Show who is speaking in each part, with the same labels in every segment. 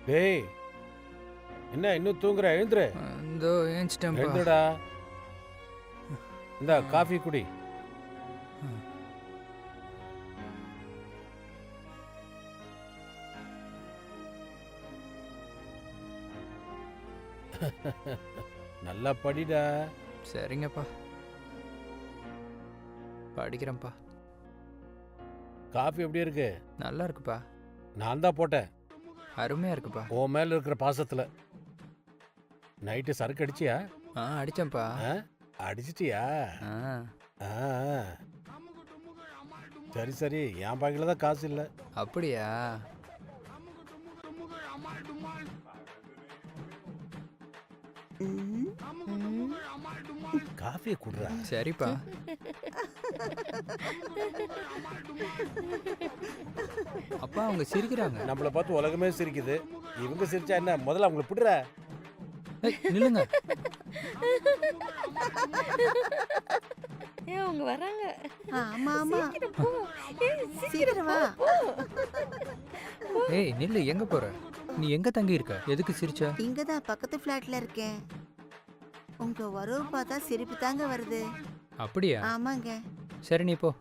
Speaker 1: டேய், என்ன இன்னும் தூங்குற? எழுந்துரு.
Speaker 2: இதோ ஏஞ்சிட்டேன்ப்பா.
Speaker 1: எழுந்துடா. இந்த காஃபி குடி. நல்லா படிடா.
Speaker 2: சரிங்கப்பா, படிக்கிறேன்ப்பா.
Speaker 1: காஃபி எப்படி இருக்கு?
Speaker 2: நல்லா இருக்குப்பா.
Speaker 1: நான் தான் போட்டேன்.
Speaker 2: அருமையா இருக்குப்பா.
Speaker 1: உன் மேல இருக்கிற பாசத்துல. நைட்டு சரக்கு அடிச்சியா?
Speaker 2: அடிச்சேன்ப்பா.
Speaker 1: அடிச்சிட்டியா?
Speaker 2: ஆ,
Speaker 1: சரி சரி, என் பாக்கில தான் காசு இல்லை.
Speaker 2: அப்படியா?
Speaker 1: காஃபியை குடுறா.
Speaker 2: சரிப்பா. அப்பா அவங்க சிரிக்கிறாங்க.
Speaker 1: நம்மளை பார்த்து உலகமே சிரிக்குது. இவங்க சிரிச்சா என்ன? முதல்ல அவங்களை பிடுற.
Speaker 2: நில்லுங்க.
Speaker 3: அவங்க வராங்க.
Speaker 4: ஆமா ஆமா,
Speaker 3: சீக்கிரம் போ.
Speaker 4: சீக்கிரம் வா.
Speaker 2: ஏய் நில்லு, எங்க போற? நீ எங்க தங்கி இருக்க? எதுக்கு சிரிச்ச?
Speaker 4: இங்கதான் பக்கத்து ஃபிளாட்ல இருக்கேன். உங்க வரவு பார்த்தா சிரிப்பு தாங்க வருது.
Speaker 2: அப்படியா?
Speaker 4: ஆமாங்க.
Speaker 2: சரி நீ போ.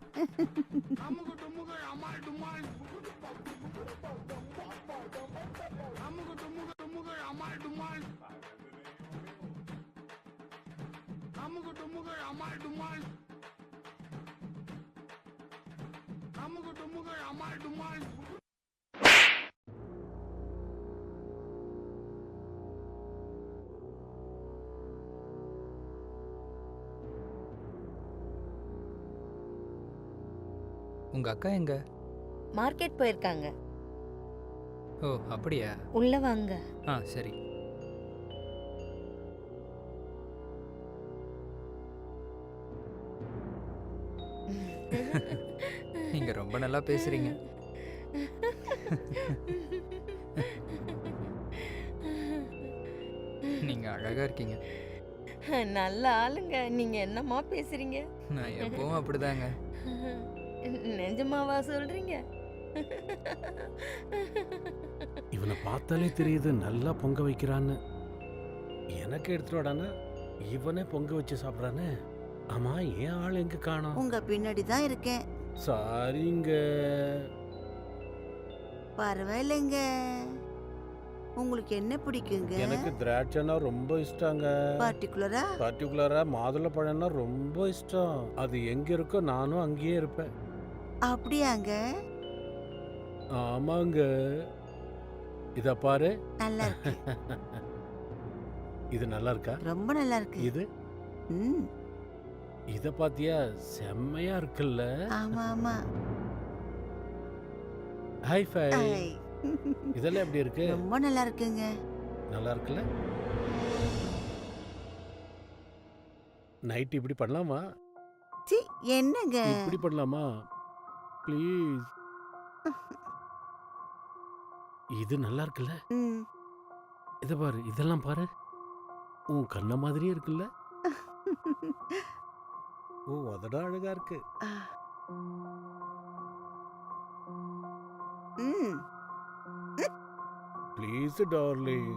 Speaker 2: உங்க அக்கா எங்க?
Speaker 3: மார்க்கெட் போயிருக்காங்க.
Speaker 2: ஓ அப்படியா?
Speaker 3: உள்ள வாங்க.
Speaker 2: சரி. நீங்க ரொம்ப நல்லா பேசுறீங்க. நீங்க அழகா இருக்கீங்க.
Speaker 3: நல்ல ஆளுங்க. நீங்க என்னம்மா பேசுறீங்க?
Speaker 2: நான் எப்பவும் அப்படிதாங்க.
Speaker 3: நிஜமாவா சொல்றீங்க?
Speaker 1: இவனை பார்த்தாலே தெரியுது நல்லா பொங்க வைக்கிறான்னு. எனக்கு எடுத்துடானா இவனே பொங்க வச்சு சாப்பிட்றானே. ஆமா, ஏன் ஆள் எங்க காணோம்?
Speaker 4: உங்க பின்னாடி தான் இருக்கேன்.
Speaker 1: சாரிங்க.
Speaker 4: பரவாயில்லைங்க. உங்களுக்கு என்ன பிடிக்குங்க?
Speaker 1: எனக்கு திராட்சைனா ரொம்ப இஷ்டங்க. பர்டிகுலரா மாதுளை பழம்னா ரொம்ப இஷ்டம். அது எங்க இருக்கோ நானும் அங்கேயே இருப்பேன்.
Speaker 4: அப்படியாங்க?
Speaker 1: ஆமாங்க. இத பாரு.
Speaker 4: நல்லா இருக்கு.
Speaker 1: இது நல்லா இருக்கா?
Speaker 4: ரொம்ப நல்லா இருக்கு.
Speaker 1: இது
Speaker 4: ம்.
Speaker 1: இத பாத்தியா? செம்மையா இருக்குல்ல?
Speaker 4: ஆமா ஆமா.
Speaker 1: Hi fi.
Speaker 4: ஐ.
Speaker 1: இதெல்லாம் எப்படி இருக்கு?
Speaker 4: ரொம்ப நல்லா இருக்குங்க.
Speaker 1: நல்லா இருக்குல்ல? நைட் இப்படி பண்ணலாமா?
Speaker 4: சி, என்னங்க?
Speaker 1: இப்படி பண்ணலாமா? ப்ளீஸ். இது நல்லா இருக்குல்ல?
Speaker 4: ம்.
Speaker 1: இத பாரு, இதெல்லாம் பாரு. உன் கண்ண மாதிரியே இருக்குல்ல? ஓ, அதடா அழகா இருக்கு.
Speaker 4: ஆ. ம்.
Speaker 1: Please darling.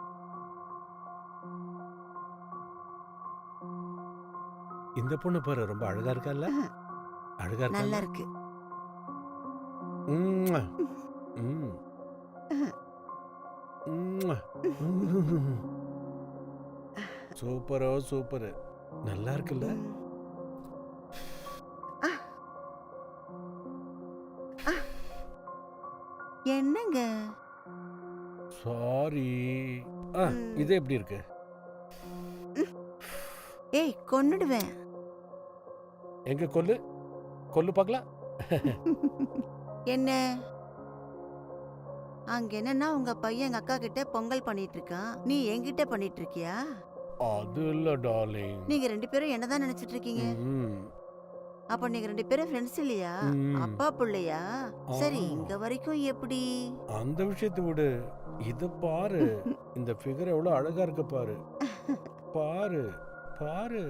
Speaker 1: இந்த பொண்ணு பாரு, ரொம்ப அழகா இருக்கால்ல? அழகா இருக்கா?
Speaker 4: நல்லா இருக்கு.
Speaker 1: ம்ம். ம். ம்ம். சூப்பரோ சூப்பர். நல்லா இருக்குல்ல?
Speaker 4: ம். ஆ. ஆ. என்னங்க?
Speaker 1: சாரி. இது எப்படி இருக்கு?
Speaker 4: ஏய், கொன்னுடுவேன்.
Speaker 1: எங்க கொல்லு கொல்லு பார்க்கலாம்.
Speaker 4: என்ன? அங்க என்னன்னா உங்க பையன் எங்க அக்கா கிட்ட பொங்கல் பண்ணிட்டு இருக்கான். நீ என்கிட்ட பண்ணிட்டு இருக்கியா?
Speaker 1: அது இல்ல டார்லிங்.
Speaker 4: நீங்க ரெண்டு பேரும் என்னதான் நினைச்சிட்டு இருக்கீங்க? அப்ப நீங்க ரெண்டு பேரும் ஃப்ரெண்ட்ஸ் இல்லையா? அப்பா பிள்ளையா? சரி, இங்க வரைக்கும் எப்படி?
Speaker 1: அந்த விஷயத்தை விடு. இத பாரு. இந்த ஃபிகர் எவ்வளவு அழகா இருக்கு பாரு. பாரு பாரு.